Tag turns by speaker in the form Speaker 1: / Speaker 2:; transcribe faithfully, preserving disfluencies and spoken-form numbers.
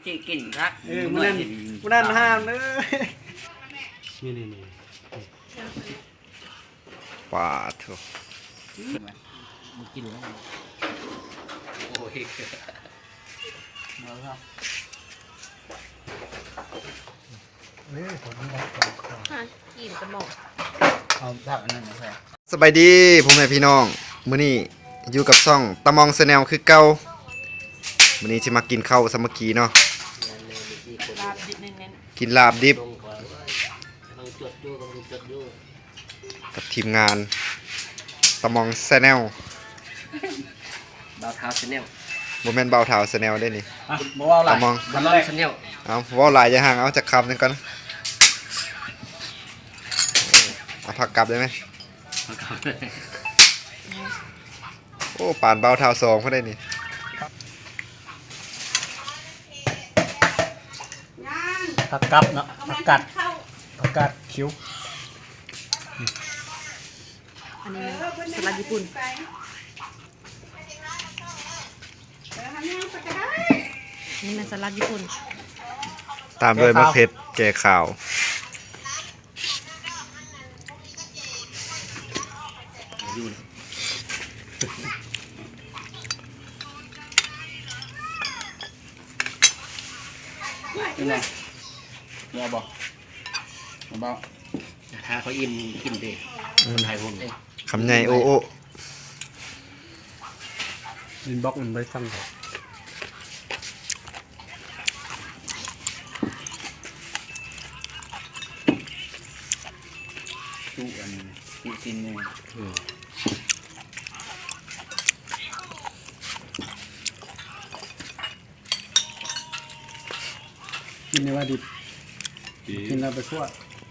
Speaker 1: จีกินครับ
Speaker 2: เออมันนั่นมันนั่นห้ามเลยนี่นี่นี่
Speaker 3: ปาดเถอะ
Speaker 1: มึงกินแล้วโอ้ยมาครับ
Speaker 2: เฮ้ยผมไม่ได้
Speaker 4: กินกระหม่อม
Speaker 1: เอาผักอันนั้นมาใส่
Speaker 3: สบายดีพ่อแม่พี่น้องมื้อนี้อยู่กับซ่องตะมองแนลคือเก่ามื้อนี้สิมากินข้าวสามัคคีเนาะ
Speaker 4: ลาบดิบเน้น
Speaker 3: กินลาบดิบ
Speaker 1: ลงก่อนลองจดดูลองจดดู
Speaker 3: กับทีมงานตะมองแนล
Speaker 1: ดาวเท้าชาแนล
Speaker 3: บ่แม่นเบาเท้าแนลได้นี่
Speaker 2: อ่ะบอกว่าอะไร
Speaker 3: ตะมอง
Speaker 1: บัลลอนชาแนล
Speaker 3: เอาเว้าหลายอย่าห่างเอาจักคำหนึงก่อนเอาผักกลับได้ไหมโอ้ป่านเบาเท้าสองเพิ่นได้นี่
Speaker 2: ผักกับเนาะผักกัดผักกัดคิ้ว
Speaker 4: ๆอันนี้สลัดญี่ปุ่นนี่มันสลัดญี่ปุ่น
Speaker 3: ตามด้วยมะเขือแก่ขาว
Speaker 1: อยู่นะ
Speaker 2: นี่ไงเนี่ยบอกบอก
Speaker 1: ถ้าเขาอิ่มกินดิคนไทยผม
Speaker 3: คำใหญ่โอ้โอ้
Speaker 2: ลินบ็อกมันไม่ฟังเขาตู้อันนี้ตู้ซินเนี่ยกินในว่าดิบกินแล้วไปคั่ว